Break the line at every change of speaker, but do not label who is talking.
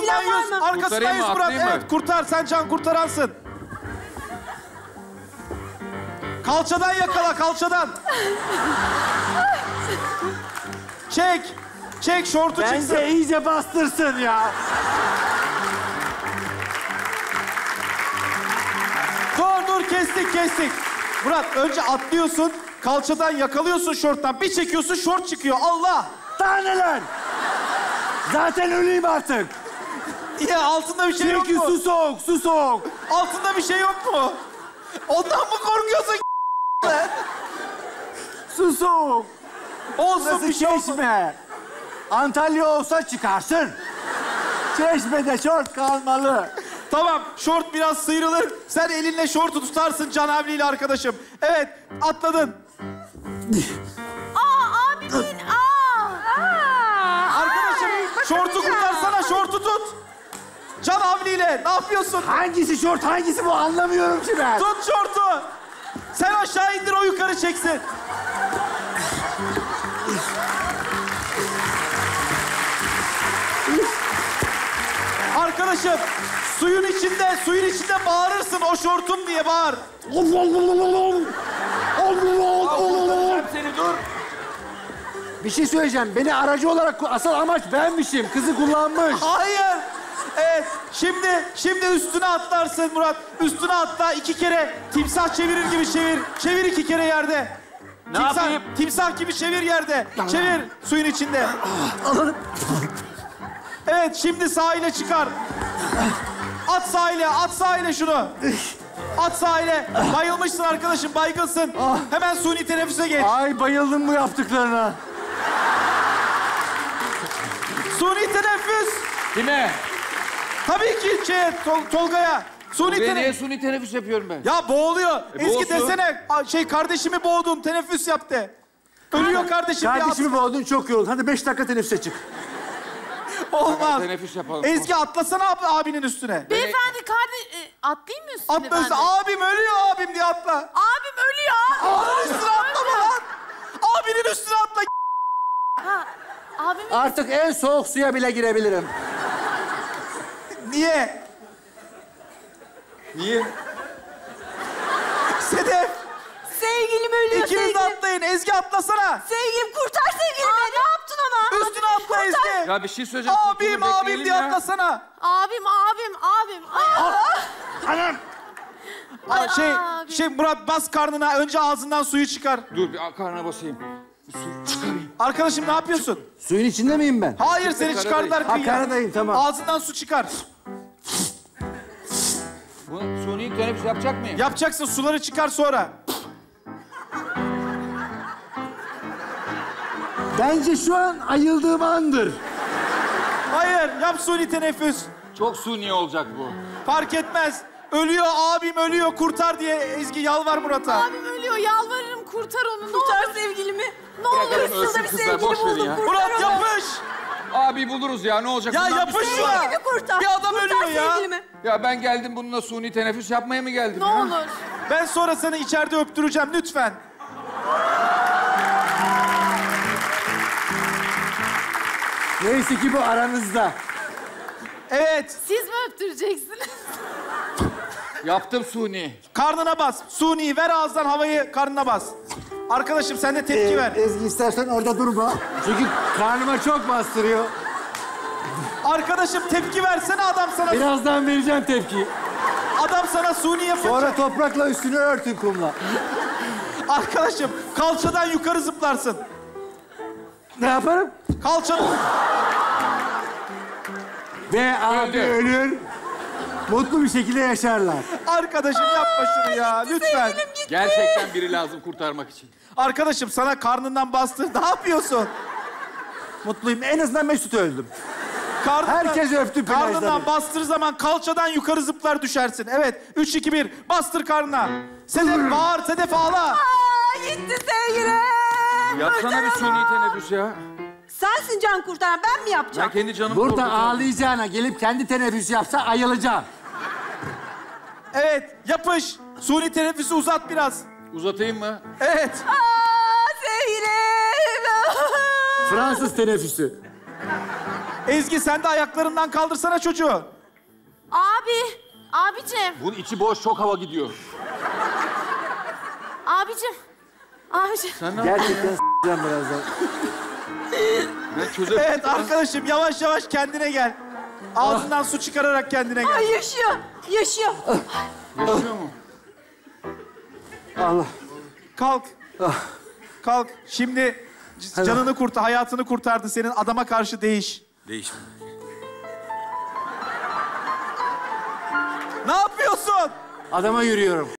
Arkasından yüz. Arkasından yüz Murat. Evet kurtar. Sen can kurtaransın. Kalçadan yakala, kalçadan. Çek. Çek, şortu çıksın.
Bence iyice bastırsın ya.
Dur, kestik. Murat, önce atlıyorsun, kalçadan yakalıyorsun şorttan. Bir çekiyorsun, şort çıkıyor. Allah!
Daha neler? Zaten öleyim artık.
Ya altında bir şey yok
Çünkü
mu?
su soğuk.
Altında bir şey yok mu? Ondan mı korkuyorsun?
Su soğuk.
Olsun
Burası
bir şey olsun.
Çeşme. Antalya olsa çıkarsın. Çeşme'de şort kalmalı.
Tamam, şort biraz sıyrılır. Sen elinle şortu tutarsın Can Havli'yle arkadaşım. Evet, atladın.
Abimin,
Arkadaşım, şortu kurtarsana, şortu tut. Can Havli'yle, ne yapıyorsun?
Hangisi şort, hangisi bu anlamıyorum ki ben.
Tut şortu. Sen aşağı indir, o yukarı çeksin. Arkadaşım, suyun içinde bağırırsın, o şortum diye bağır.
Seni dur. Bir şey söyleyeceğim. Beni aracı olarak asıl amaç benmişim. Kızı kullanmış.
Hayır. Evet, şimdi üstüne atlarsın Murat. Üstüne atla, 2 kere timsah çevirir gibi çevir. Çevir 2 kere yerde.
Ne yapayım?
Timsah gibi çevir yerde. Çevir suyun içinde. Evet, şimdi sahile çıkar. At sahile şunu. At sahile. Bayılmışsın arkadaşım, baygınsın. Hemen suni teneffüse geç.
Ay bayıldım bu yaptıklarına.
Suni teneffüs.
Kime?
Tabii ki Tolga'ya. Suni
Niye
teneffüs.
suni teneffüs yapıyorum ben?
Ya boğuluyor. Ezgi
boğulsun.
desene, kardeşimi boğdun, teneffüs yap de. Ölüyor kardeşim.
Kardeşimi boğdun, çok yoruldun. Hadi 5 dakika teneffüse çık.
Olmaz.
Teneffüs yapalım.
Ezgi atlasana abinin üstüne.
beyefendi atlayayım mı üstüne
Atla
ben de?
üstüne. Abim ölüyor, abim diye atla.
Abim ölüyor.
Abinin üstüne atlama lan. Abinin üstüne atla.
Abim
Artık en soğuk suya bile girebilirim.
Niye?
Niye?
Sedef.
sevgilim ölüyor.
İkiniz de atlayın. Ezgi atlasana.
Sevgilim kurtar sevgilimi. Ne yaptın ona?
Üstüne atla Ezgi.
Ya bir şey söyleyeceğim.
Abim
kurtulun,
diye
bekleyelim ya.
atlasana.
Abim.
Anam!
Murat bas karnına. Önce ağzından suyu çıkar.
Dur bir karnına basayım. Bir su çıkarayım.
Arkadaşım ne yapıyorsun?
Suyun içinde miyim ben?
Hayır, seni
Karadayım.
çıkardılar
Ha,
kıyıya.
karadayım, tamam.
Ağzından su çıkar.
Bu suni teneffüs yapacak mıyım?
Yapacaksın, suları çıkar sonra.
Bence şu an ayıldığım andır.
Hayır, yap suni teneffüs.
Çok suni olacak bu.
Fark etmez. Ölüyor, abim ölüyor. Kurtar diye Ezgi yalvar Murat'a.
Abim ölüyor. Yalvarırım kurtar onu. Kurtar sevgilimi. Ne olur
Bırakalım
üstünde
ölsün
bir
kızlar,
sevgili
boş verin
buldum.
ya.
Kurtar
Murat
onu.
yapış.
Abi buluruz ya, ne olacak?
Ya
Bundan
yapış
bir şey
şuna.
var.
Sevgilimi kurtar.
Bir adam ölüyor ya.
Sevgilimi.
Ya ben geldim bununla suni teneffüs yapmaya mı geldim?
Ne
ya?
olur.
Ben sonra seni içeride öptüreceğim lütfen.
Neyse ki bu aranızda.
Evet,
Siz mi öptüreceksiniz?
Yaptım suni.
karnına bas. Suni ver ağızdan havayı, karnına bas. Arkadaşım sen de tepki ver.
Ezgi istersen orada durma. Çünkü karnıma çok bastırıyor.
Arkadaşım tepki versene, adam sana
Birazdan vereceğim tepkiyi.
suni yapınca.
Sonra toprakla üstünü örtün kumla.
Arkadaşım kalçadan yukarı zıplarsın.
Ne yaparım?
Kalçadan.
Ve abi
Öldü.
ölür. Mutlu bir şekilde yaşarlar.
Arkadaşım yapma şunu ya, lütfen.
Gerçekten biri lazım kurtarmak için.
Arkadaşım sana karnından bastı. Ne yapıyorsun?
Mutluyum. En azından Mesut öldüm.
Karnından,
Herkes öptü plajda
karnından
beni.
bastığı zaman kalçadan yukarı zıplar düşersin. Evet, 3, 2, 1. Bastır karnına. Sedef bağır, Sedef ağla.
Gitti sevgilim.
Yapsana bir suni teneffüs ya.
Sensin can kurtaran. Ben mi yapacağım?
Ben kendi canımı
Burada
korkutuyorum.
ağlayacağına gelip kendi teneffüs yapsa ayılacağım.
Evet, yapış. Suni teneffüsü uzat biraz.
Uzatayım mı?
Evet.
Sevgilim.
Fransız teneffüsü.
Ezgi sen de ayaklarından kaldırsana çocuğu.
Abicim.
Bunun içi boş, çok hava gidiyor.
Abicim.
Sen ne
Gerçekten s**eceğim birazdan.
Ben çözemedim.
Evet arkadaşım yavaş yavaş kendine gel. Ağzından su çıkararak kendine gel.
Ay yaşıyor.
Yaşıyor mu?
Allah.
Kalk. Kalk. Şimdi canını kurtar, hayatını kurtardı senin. Adama karşı değiş.
Değişme.
Ne yapıyorsun?
Adama yürüyorum.